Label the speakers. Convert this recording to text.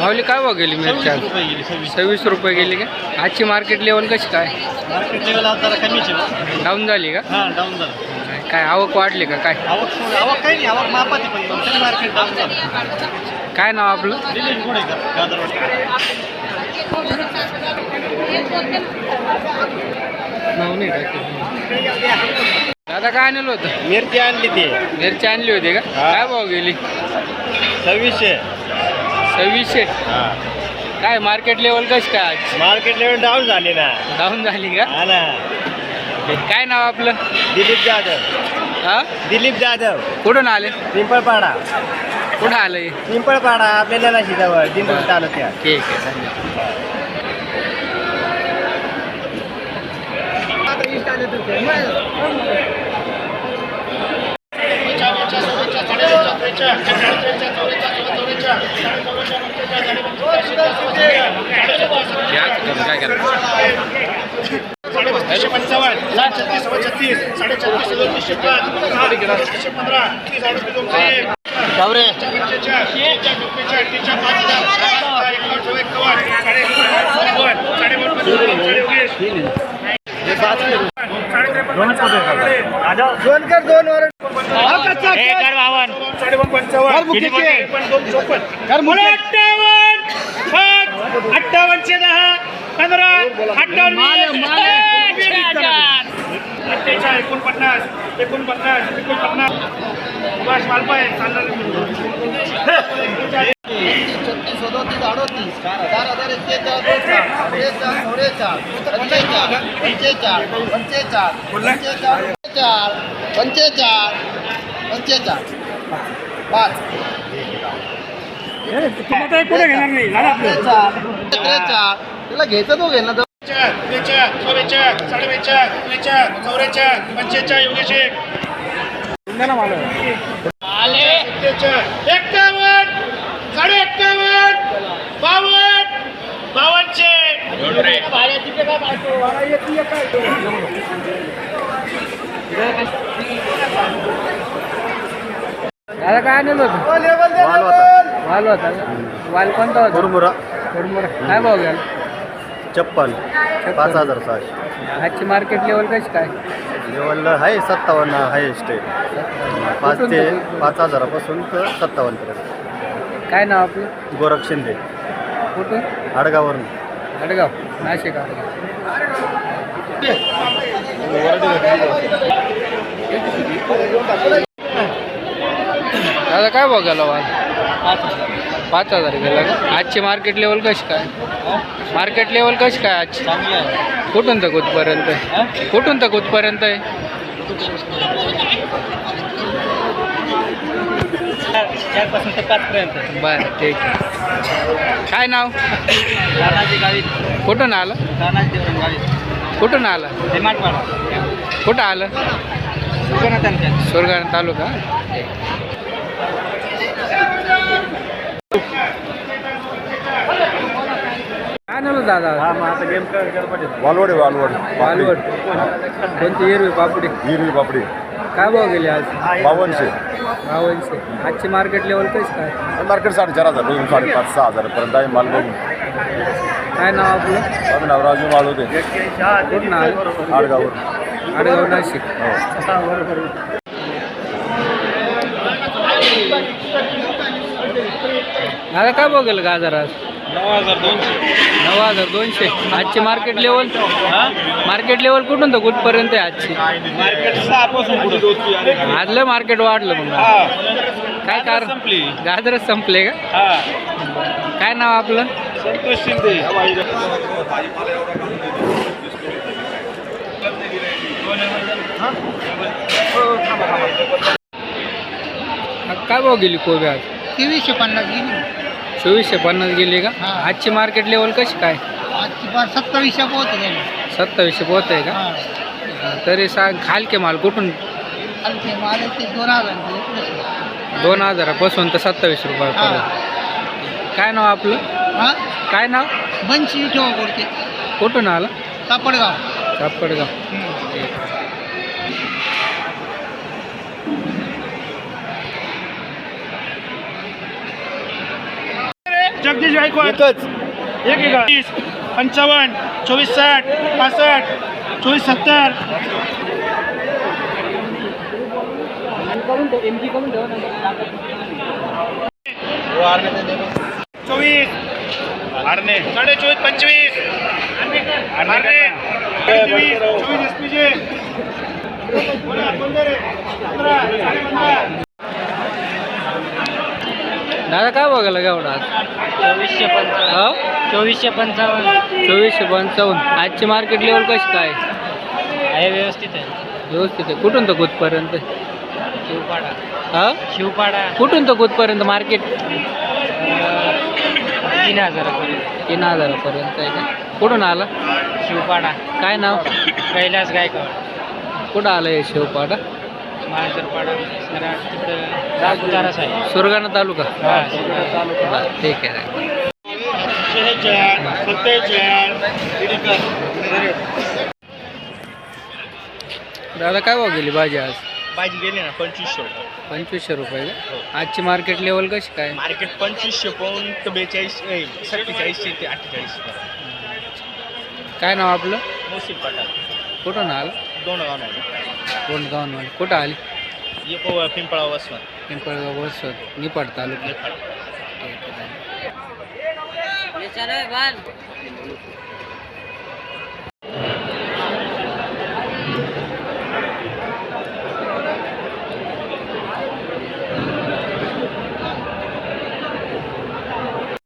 Speaker 1: माऊली काय भाव गेली मिरच्या? 26 रुपये गेली का? आजची मार्केट लेवल कशी काय?
Speaker 2: मार्केट लेवल आज जरा कमीच आहे.
Speaker 1: डाऊन झाली का?
Speaker 2: हां डाऊन झालं.
Speaker 1: काय आवक वाढली का काय?
Speaker 2: आवक काही नाही, आवक मापाती पण मार्केट डाऊन झालं.
Speaker 1: काय नाव आपलं?
Speaker 2: दिलीप गोडेकर गाजरवाडी.
Speaker 1: नाव नाही टाकलं. दादा काय आणलं होतं?
Speaker 2: मिरची आणली ती.
Speaker 1: मिरची आणली होती का? काय भाव गेली?
Speaker 2: 2600.
Speaker 1: 2600. काय मार्केट लेवल कशी काय आज?
Speaker 2: मार्केट लेवल डाऊन झाली ना.
Speaker 1: डाऊन झाली का?
Speaker 2: हा ना.
Speaker 1: काय नाव आपलं?
Speaker 2: दिलीप जाधव.
Speaker 1: हा
Speaker 2: दिलीप जाधव.
Speaker 1: कुठून आले?
Speaker 2: पिंपळपाडा.
Speaker 1: कुठं आलंय?
Speaker 2: पिंपळपाडा आपल्याला जवळ दिंडोरी तालुक्यात.
Speaker 1: ठीक आहे धन्यवाद. काय करा?
Speaker 2: पुढे घेणार नाही त्याला घ्यायचं तो घेणार. 51
Speaker 1: दादा काय आणलं होतं? वाल होता का? वाल कोणता होता?
Speaker 2: मुरमुरा.
Speaker 1: काय भाव घ्याल?
Speaker 2: 56. 5600.
Speaker 1: आजची मार्केट लेवल कशी काय?
Speaker 2: लेवल आहे 57 हायेस्ट आहे. 5 ते 5000 पासून तर 57 पर्यंत.
Speaker 1: काय नाव आपलं?
Speaker 2: गोरख शिंदे.
Speaker 1: कुठून?
Speaker 2: आडगाववरून.
Speaker 1: आडगाव नाशिक. आडगाव. दादा काय भाव गेला वाल? 5000 गेला का? आजची मार्केट लेवल कशी काय? मार्केट लेवल कशी काय आजची? कुठून तर कुठपर्यंत आहे? कुठून तर कुठपर्यंत आहे?
Speaker 2: 4 ते 5 पर्यंत.
Speaker 1: बरं ठीक आहे. काय नाव?
Speaker 2: तानाजी गावीत.
Speaker 1: कुठून आलं?
Speaker 2: तानाजी देवराम गावीत.
Speaker 1: कुठून आलं?
Speaker 2: हेमाडपाडा.
Speaker 1: कुठं आलं? सुरगाणा तालुका. काय नाव दादा?
Speaker 3: वालवड
Speaker 1: वालवड. कोणती? हिरवी पापडी.
Speaker 3: हिरवी पापडी
Speaker 1: काय भाव गेली आज?
Speaker 3: 5200.
Speaker 1: 5200. आजची मार्केट लेवल कशी काय?
Speaker 3: मार्केट 4500 पासून 5,500-6,000 पर्यंत आहे माल बघून.
Speaker 1: काय नाव आपलं?
Speaker 3: माझं नाव राजू माळोदे.
Speaker 1: कुठून आलं?
Speaker 3: आडगावर.
Speaker 1: आडगाव नाशिक. दादा काय भाव गेलं गाजर आज? 9200. आजची मार्केट लेवल? मार्केट लेवल कुठून तर कुठपर्यंत आहे आजची?
Speaker 2: मार्केट 6 पासून पुढे.
Speaker 1: आजलं मार्केट वाढलं मग. काय कारण? गाजरच संपले का? काय नाव आपलं?
Speaker 2: संतोष शिंदे.
Speaker 1: काय भाव गेली कोबी आज?
Speaker 2: 2350 गेली.
Speaker 1: 2450 गेली का? आजची मार्केट लेवल कशी काय?
Speaker 2: आजची 2700 पोहोच गेली.
Speaker 1: 2700 पोहोच आहे का? तरी सांग खालके माल कुठून?
Speaker 2: हलके माल ते 2000.
Speaker 1: 2000 तर 27 रुपयापर्यंत. काय नाव आपलं? काय नाव?
Speaker 2: बंची ठेवा करते.
Speaker 1: कुठून आलं?
Speaker 2: सापडगाव.
Speaker 1: सापडगाव.
Speaker 4: जगदीश गायकवाड
Speaker 2: एकच
Speaker 4: एक 55 24 60 65 24 70 24 आरणे 24 25 आरणे 23 24 एसपीजे
Speaker 1: दादा काय बघायला घेऊन आज 2455 आजची मार्केट लेवल कशी काय
Speaker 5: आहे व्यवस्थित आहे
Speaker 1: व्यवस्थित आहे कुठून तर कुठपर्यंत
Speaker 5: शिवपाडा
Speaker 1: हा
Speaker 5: शिवपाडा
Speaker 1: कुठून तर कुठपर्यंत मार्केट
Speaker 5: 3000
Speaker 1: 3000पर्यंत आहे का कुठून आला
Speaker 5: शिवपाडा
Speaker 1: काय नाव
Speaker 5: कैलास गायकवाड
Speaker 1: कुठं आलं हे शिवपाडा
Speaker 5: मांजरपाडा सराट तिकडं सापुताराच आहे
Speaker 1: सुरगाणा तालुका
Speaker 5: हा
Speaker 1: बरं, ठीक आहे दादा काय भाव गेली भाजी आज
Speaker 4: भाजी गेली ना 2500
Speaker 1: 2500 रुपये का आजची मार्केट लेवल कशी काय
Speaker 4: मार्केट 2500 पाऊन तर 42 47 ते 48
Speaker 1: काय नाव आपलं
Speaker 4: मोसिल पाटा
Speaker 1: कुठून आलं
Speaker 4: दोन गाव नाही
Speaker 1: कोण गावून कुठं आली
Speaker 4: ये पिंपळा वसवत
Speaker 1: पिंपळगाव बसवत निपाड तालुका ठीक आहे